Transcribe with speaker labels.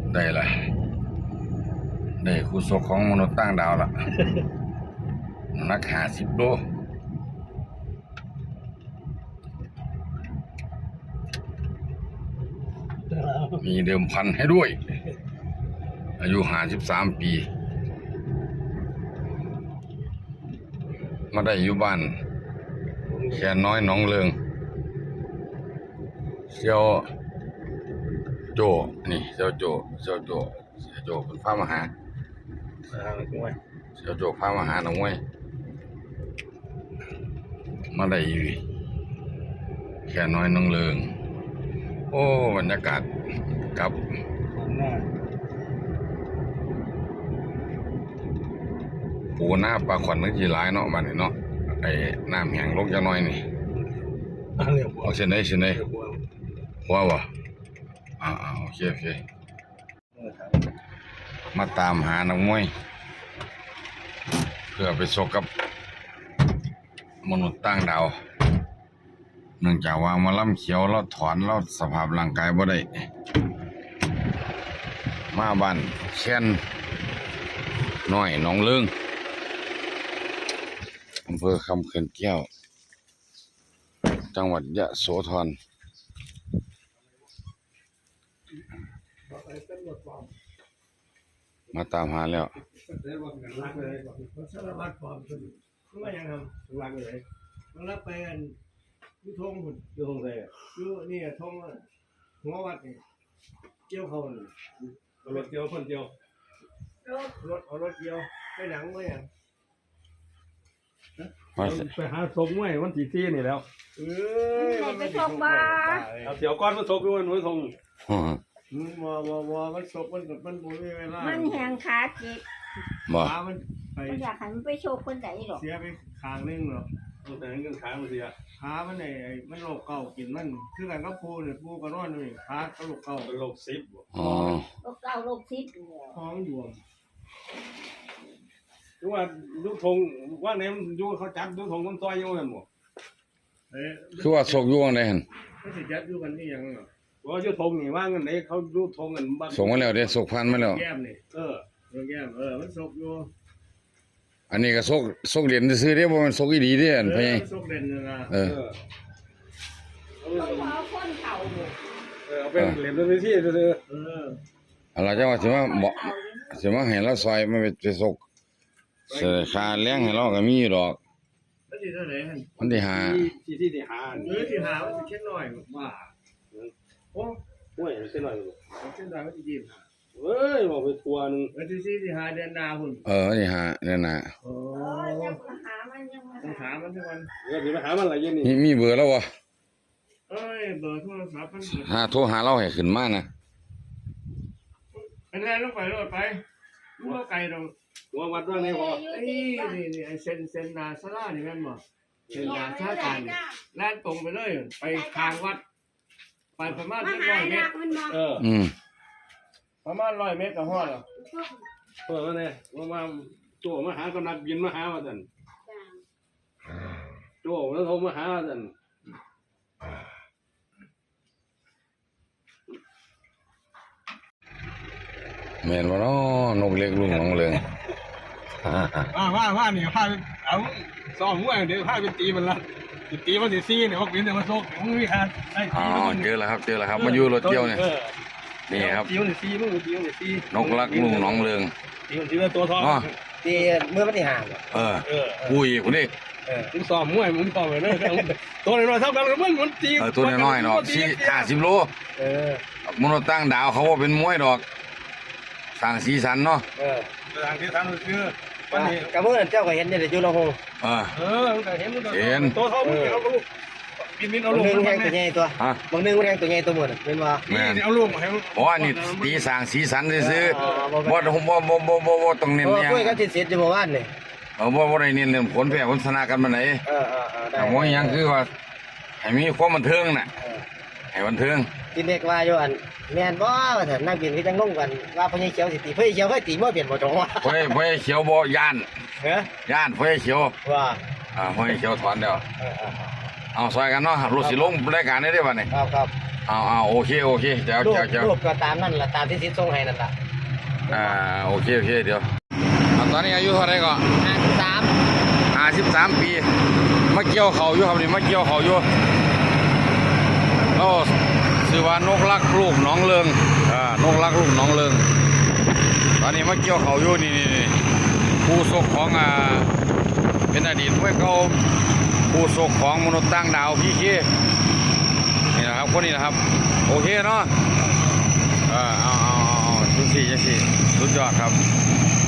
Speaker 1: ได้เลยได้คู่ศกของมนุษย์ต่างดาวละนัก50 โลมีเดิมพันให้ด้วยอายุ53 ปีมาได้อยู่บ้านแค่น้อยหนองเลิงเซียวโจนี่เซียวโจเป็นพระมหาเซียวโจพระมหาหนองมวยมาได้อยู่แค่น้อยหนองเลิงโอ้บรรยากาศกับปูหน้าปลาขวัญนึกจีหลายเนาะบ้านนี้เนาะไอ้น้ำแห้งลงจะน้อยนี่เอาเส้นไหนหัวบ่โอเคมาตามหานักมวยเพื่อไปชกกับมนุษย์ต่างดาวเนื่องจากว่ามาล่ำเขียวเราถอนเราสภาพร่างกายบ่ได้มาบ้านแค้นน้อยหนองเลิงอำเภอคำเขื่อนแก้วจังหวัดยะโสธรมาตามหาแล้ว
Speaker 2: สารวัตรปลอมคนเขาว่ายังทำรักเลยมันรับไปกันยุทงหุ่นยุทงเลยยุนี่ทงหัววัดนี่เกี่ยวเขารถเกี่ยวคนเกี่ยวรถเกี่ยวไปหนังไว้ยัง
Speaker 3: ไปหาศพมวยวันที่4นี่แล้ว
Speaker 2: มัน
Speaker 4: ไปชกบ้า
Speaker 3: เอาเดี๋ยวก่อนมาศพด้วยหนูทง
Speaker 2: มันศพมันบุญไม่เวลา
Speaker 4: มันแหงขาจิก
Speaker 2: ขามันไป
Speaker 4: อยากให้มันไปโชว์คนไหนหรอ
Speaker 2: เสียไปขางนึงหรอ
Speaker 3: แต่เงินขามันเสีย
Speaker 2: ขามันมันโรคเก่ากินมันคือกันก็ปูเนี่ยปูก็นอนนี่ขาก็โรคเก่า
Speaker 3: โรค10
Speaker 4: โรคเก่าโรค10
Speaker 2: ท้องดวง
Speaker 3: ดูว่าลูกทงว่าไหนมันอยู่เขาจับลูกทงมันซอยอยู่นั่นบ่
Speaker 1: คือว่าศกอยู่จังได๋หั่น
Speaker 2: เขาสิจัดอยู่กันนี่ยังเหรอ
Speaker 3: ว่าอยู่ทงนี่ว่างั้นไหนเขาลูกทงกันบ้าน
Speaker 1: ส่งมาแล้วเด้ศกพันมาแล้ว
Speaker 2: แก้มนี่แก้มมันศกอยู่
Speaker 1: อันนี้ก็ศกเหรียญซื่อๆเด้บ่แม่นศกอีหลีเด้อันพ่
Speaker 2: ศกเด่นนะ
Speaker 4: เอาคนเข่า
Speaker 3: เอาเป็นเหรียญตัวที่
Speaker 1: อะไรจังว่าสิมาให้เราซอยมาไปศกเสียค่าแรงให้เราก็มีอยู่ดอก
Speaker 2: มันสิเท่าไหร่หั่น
Speaker 1: มันที่5
Speaker 3: ที่หา
Speaker 2: ที่หามันสิเช็ดน้อยว่าโอ้
Speaker 3: ยเส้นหน่อย
Speaker 2: เช็ดน้อยมันสิยิ้ม
Speaker 3: เอ้ยบอกไปทัวนึง
Speaker 2: ที่หาเดือนนาพุ่น
Speaker 1: ที่หาเดือนหน้า
Speaker 4: ยังหามัน
Speaker 2: ต้องหามันทุกวัน
Speaker 3: สิไปหามันอะไรอย่างนี้
Speaker 1: มีเบอร์แล้วบ่
Speaker 2: เบอร์โทรศัพท์
Speaker 1: มันโทรหาเราให้ขึ้นมานะ
Speaker 2: เป็นไงลงไปรถไปรู้ว่าไกลตรง
Speaker 3: หัววัดว่าไงพอ
Speaker 2: นี่เส้นนาซาร่านี่แม่นบ่เส้นนาซาการแล่นตรงไปเลยไปทางวัดไปประมาณ100 เมตรประมาณ100 เมตรก็ฮอดแล้ว
Speaker 3: ว่าไงว่าโจมาหากำนักบินมาหาว่าซั่นโจแล้วโทรมาหาว่าซั่น
Speaker 1: แม่นบ่เนาะนกเล็กลุงหนองเลิง
Speaker 3: ว่านี่พาเอาซ้อมมวยเดี๋ยวพาไปตีมันละตีมันสิเนี่ยว่าเป็นแต่มาโซกมึงมีหาได้
Speaker 1: เจอแล้วครับมาอยู่รถเที่ยวนี่ครับ
Speaker 3: ตีมันสิมึงตีมันสิ
Speaker 1: นกลักลุงหนองเลิง
Speaker 3: ตีมันสิตัวทอง
Speaker 2: ตีเมื่อวันที่
Speaker 1: 5คุยคนนี้
Speaker 3: มึงซ้อมมวยมึงซ้อมเลยตัวน้อยๆเท่ากันมันตี
Speaker 1: ตัวน้อยๆเนาะ50 โลมนุษย์ต่างดาวเขาว่าเป็นมวยดอกสร้างสีสันเนาะ
Speaker 3: สร้างสีสันคือวันนี้
Speaker 2: กับเมื่อเจ้าก็เห็นเนี่ยอยู่ละหง
Speaker 3: มันก็เห็นตัวเท่ามึงเอาลูกบินเอาลูก
Speaker 2: มันแทงตัวใหญ่ตัวบางนึงมันแทงตัวใหญ่ตัวหมดเป็นว่า
Speaker 3: นี่เอาลูกมาให้
Speaker 1: นี่ตีสร้างสีสันซื่อบ่ต้องเน้น
Speaker 2: อย่างคุยกันติดอยู่เมื่อวานนี่
Speaker 1: บ่ได้เน้นเรื่องผลแพ้ผลชนะกันมาไหนแต่ว่ายังคือว่าให้มีความบันเทิงน่ะให้บันเทิง
Speaker 2: กินเด็กว่าอยู่อันแม่นบ่ว่าซั่นนักบินคือจังลงกันว่าพญเขียวสิตีพญเขียวเคยตีบ่เปลี่ยนบ่จงว่า
Speaker 1: พญเขียวบ่ย่านพญเขียว
Speaker 2: ว่า
Speaker 1: พญเขียวถอนแล้วเอาซอยกันเนาะรถสิลงรายการได้บัดนี้
Speaker 2: ครับ
Speaker 1: เเอาโอเคแจ๋ว
Speaker 5: รูปก็ตามนั่นล่ะตามที่ทิศทรงให้นั่นล่ะ
Speaker 1: โอเคเดี๋ยวตอนนี้อายุเท่าไหร่ก็
Speaker 5: 53
Speaker 1: 53 ปีมาเกี่ยวเขาอยู่ครับนี่มาเกี่ยวเขาอยู่แล้วชื่อว่านกลักลูกหนองเลิงนกลักลูกหนองเลิงตอนนี้มาเกี่ยวเขาอยู่นี่ผู้ศกของเป็นอดีตมวยเก่าผู้ศกของมนุษย์ต่างดาวพี่เคนี่นะครับคนนี้นะครับโอเคเนาะเอาจังสี่สุดยอดครับ